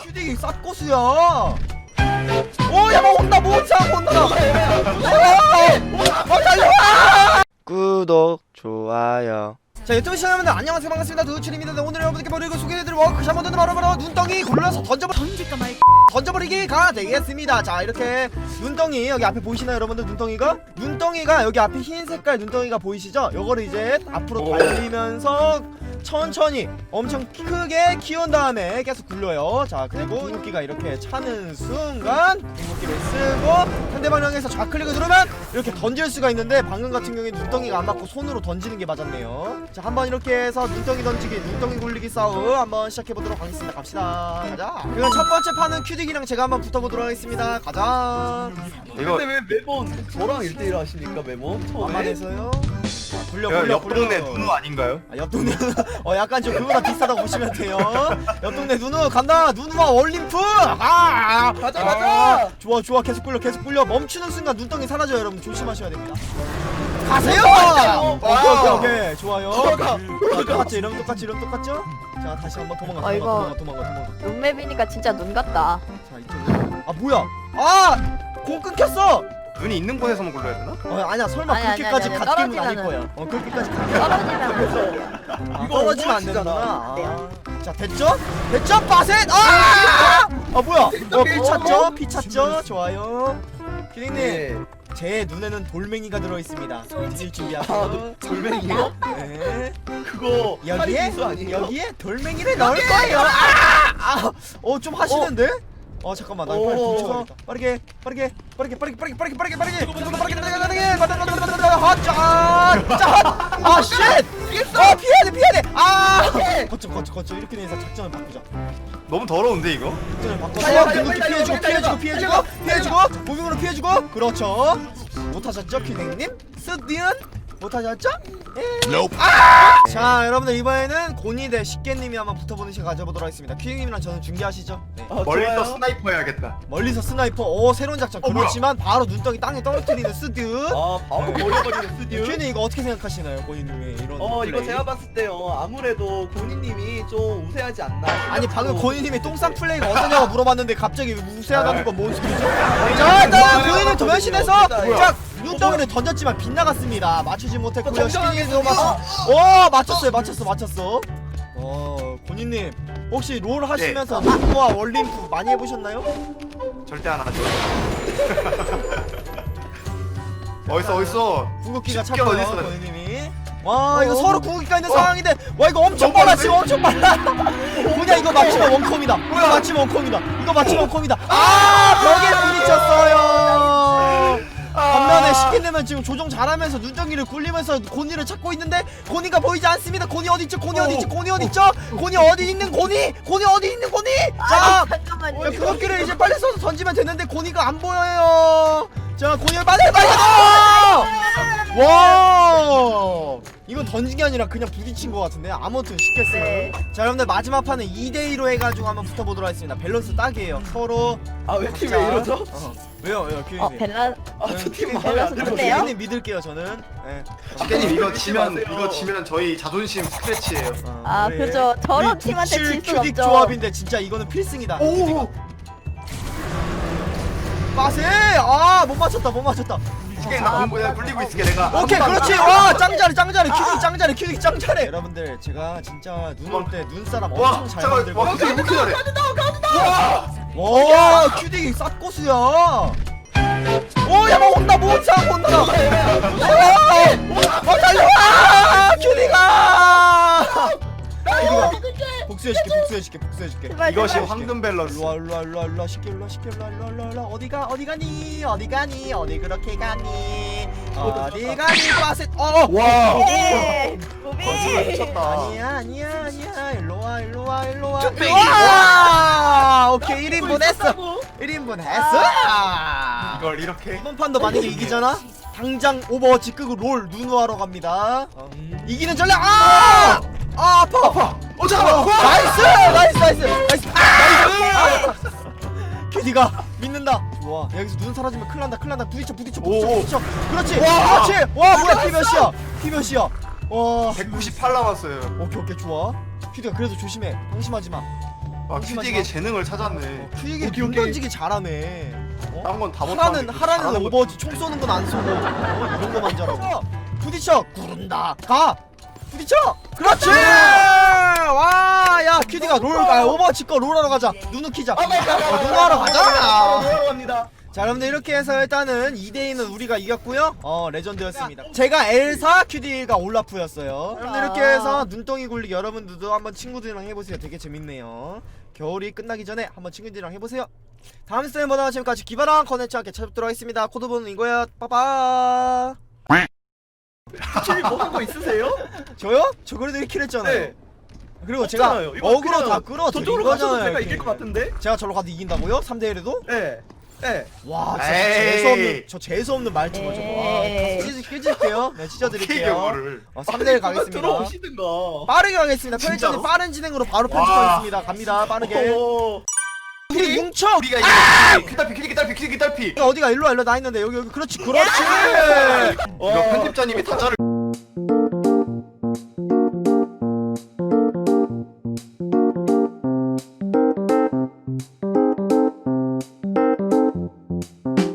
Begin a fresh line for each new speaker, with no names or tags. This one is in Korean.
큐딕이 쌉고수야. 오야 뭐 온다 뭐 온다. 달려와. 구독 좋아요. 자 유튜브 시청자분들 안녕하세요 반갑습니다. 누추입니다. 네, 오늘 여러분들께 버리고 소개해드릴 워크샵 바로 눈덩이 굴러서 던질까 말까 던져버리기가 되겠습니다. 자 이렇게 눈덩이 여기 앞에 보이시나요 여러분들? 눈덩이가 여기 앞에 흰 색깔 눈덩이가 보이시죠? 요거를 이제 앞으로 달리면서 천천히 엄청 크게 키운 다음에 계속 굴려요. 자 그리고 궁극기가 이렇게 차는 순간 궁극기를 쓰고 상대방 향해서 좌클릭을 누르면 이렇게 던질 수가 있는데 방금 같은 경우에 눈덩이가 안 맞고 손으로 던지는 게 맞았네요. 자 한번 이렇게 해서 눈덩이 던지기 눈덩이 굴리기 싸움 한번 시작해보도록 하겠습니다. 갑시다. 가자. 그럼 첫 번째 판은 큐딕이랑 제가 한번 붙어보도록 하겠습니다. 가자.
이거 근데 왜 매번 저랑 1대1 하십니까 매번? 처음에?
안만해서요.
옆 동네 누누 아닌가요?
아, 옆 동네 약간 좀 그거랑 비슷하다고 보시면 돼요. 옆 동네 누누 간다. 누누와 올림프. 가자. 좋아 계속 굴려 멈추는 순간 눈덩이 사라져요. 여러분 조심하셔야 됩니다. 가세요. 오케이 좋아요. 똑같죠? 이러면 똑같죠? 자 다시 한번 도망가.
룸맵이니까 진짜 눈 같다.
자 이쪽으로. 아 뭐야? 공 끊겼어.
눈이 있는 곳에서만 굴러야 되나?
아니야 설마
아니,
그렇게까지
아니,
갓게임은 아닐
떨어지면은.
거야. 그렇게까지
떨어지면
이거 떨어지면 안
오버워치잖아.
되는구나. 자 됐죠? 빠셋! 뭐야? 피 찼죠? 좋아요. 피디님
네.
제 눈에는 돌멩이가 들어있습니다. 뒤질 준비하세요.
돌멩이요?
네.
그거 하리비스 아니에요?
여기에 돌멩이를 넣을 거예요. 좀 하시는데? 잠깐만 나 빨리 뭉쳐서 빠르게 피해야 돼 거쳐 이렇게 돼서 작전을 바꾸자.
너무 더러운데 이거?
작전을 바꿔서 피해주고 무빙으로 피해주고 그렇죠. 못하셨죠 피디님? 스디은 못하셨죠? 자 여러분들 이번에는 고니 대 식개님이 한번 붙어보는 시간 가져보도록 하겠습니다. 퀴님이랑 저는 중계하시죠. 네.
멀리서
좋아요.
스나이퍼 해야겠다.
멀리서 스나이퍼 새로운 작전. 그렇지만 바로 눈덩이 땅에 떨어뜨리는 스듀.
바로 버려버리는 스튜.
퀴님 이거 어떻게 생각하시나요 고니님의 이런
이거
플레이?
제가 봤을 때요 아무래도 고니님이 좀 우세하지 않나.
아니 방금 고니님이 똥싼 플레이가 어떠냐고 물어봤는데 갑자기 우세하다는 건 뭔 소리죠? 자 일단 고니님 도면신에서 자 눈덩이를 던졌지만 빗나갔습니다. 맞추지 못했고요. 식개님도 맞췄어. 고니님 혹시 롤 하시면서 누누와 원림프 많이 해보셨나요?
절대 안 하죠. 어딨어?
궁극기가
쉽게
찼고요
어딨어?
고니님이. 와 이거 서로 궁극기가 있는 상황인데 와 이거 엄청 빨라 지금 엄청 빨라. 그냥 이거 맞추면 원컴이다. 이거 맞추면 원컴이다. 벽에 부딪혔어요. 반면에 시키려면 지금 조종 잘하면서 눈덩이를 굴리면서 고니를 찾고 있는데 고니가 보이지 않습니다. 고니 어디 있죠? 고니 어디 있는 고니? 자,
잠깐만요.
궁극기를 이제 빨리 써서 던지면 되는데 고니가 안 보여요. 자, 고니를 빨리. 와, 이건 던진 게 아니라 그냥 부딪힌 것 같은데. 아무튼 시켰어요.
네.
자, 여러분들 마지막 판은 2대2로 해가지고 한번 붙어보도록 하겠습니다. 밸런스 딱이에요. 서로.
왜 팀 왜 이러죠?
왜요, 큐님?
밸런
저팀
큐님
마음에 안
밸런스
들어요.
좋네요.
큐님 믿을게요, 저는. 네.
식대님 이거 지면
마세요.
저희 자존심 스크래치예요.
우리
그죠. 저런
우리
팀한테
북칠
질 순
큐딕
없죠.
조합인데 진짜 이거는 필승이다.
오!
빠세! 못 맞췄다.
식대님 나 그냥 굴리고 있을게 내가.
오케이, 그렇지. 와, 짱 잘해. 큐딕 짱 잘해. 여러분들, 제가 진짜 눈 올 때 눈사람
와,
엄청 잘
잠깐,
만들고.
와, 어떻게 이렇게 잘해?
와, 큐딕이 쌉고수야. 야, 뭐 온다. 달려와! 큐딕아! 복수해줄게.
제발,
이것이
제발.
황금 밸런스.
일로와 쉽게 어디 가니 어디 그렇게 가니 빠셋
와.
예.
거짓말
무빙.
미쳤다.
아니야 일로와
쭈빼기.
오케이 1인분 했어
이걸 이렇게.
이번 판도 만약에 이기잖아 당장 오버워치 끄고 롤 누누하러 갑니다. 이기는 전략 아파
잠깐만.
나이스 큐디가 믿는다. 좋아 여기서 눈 사라지면 큰일 난다 부딪혀 그렇지 와 뭐야 피 몇이야 와
198 남았어요.
오케이 좋아 큐디가 그래도 조심해 방심하지마
아 큐디에게 재능을 찾았네.
큐딕이
오케이,
눈
오케이.
던지기 잘하네.
딴 건 다
하라는
못하는데
하라는 오버워치 총 쏘는 건 안 쏘고 이런 거만 잘하고. 부딪혀 구른다. 가. 부딪혀. 그렇지. 와야 큐디가 오버워치 거 롤하러 가자. 누누 키자. 누누하러 가자.
뭐하러 갑니다.
자 여러분들 이렇게 해서 일단은 2대2는 우리가 이겼고요. 레전드였습니다. 제가 엘사, 큐디가 올라프였어요. 여러분들 이렇게 해서 눈덩이 굴리기 여러분들도 한번 친구들이랑 해보세요. 되게 재밌네요. 겨울이 끝나기 전에 한번 친구들이랑 해보세요. 다음 스테이보다 지금까지 기발한 컨텐츠 함께 찾아뵙도록 하겠습니다. 코드번호는 이거야. 빠빠.
혹시 뭐한 거 있으세요?
저요? 저 그래도 1킬 했잖아요.
네.
그리고 제가
없잖아요. 이거
어그로
그냥
다 끌어 드린
저쪽으로 가셔도
거잖아요.
제가
이렇게.
이길 것 같은데?
제가 저로 가도 이긴다고요? 3대1에도?
네. 네.
와 진짜
에이.
재수없는 말투가 저거. 와,
에이.
찢을게요. 네
어떻게
찢어드릴게요.
이거를
3대1 가겠습니다.
들어오시든가.
빠르게 가겠습니다. 편의점이
진짜로?
빠른 진행으로 바로
와.
편집하겠습니다. 갑니다. 빠르게.
오.
우리 뭉쳐.
우리가 이거 큐달피 큐디기 딸피
어디가 일로 와 일로 나 있는데 여기 그렇지 그렇지.
이거 편집자님이 다 자를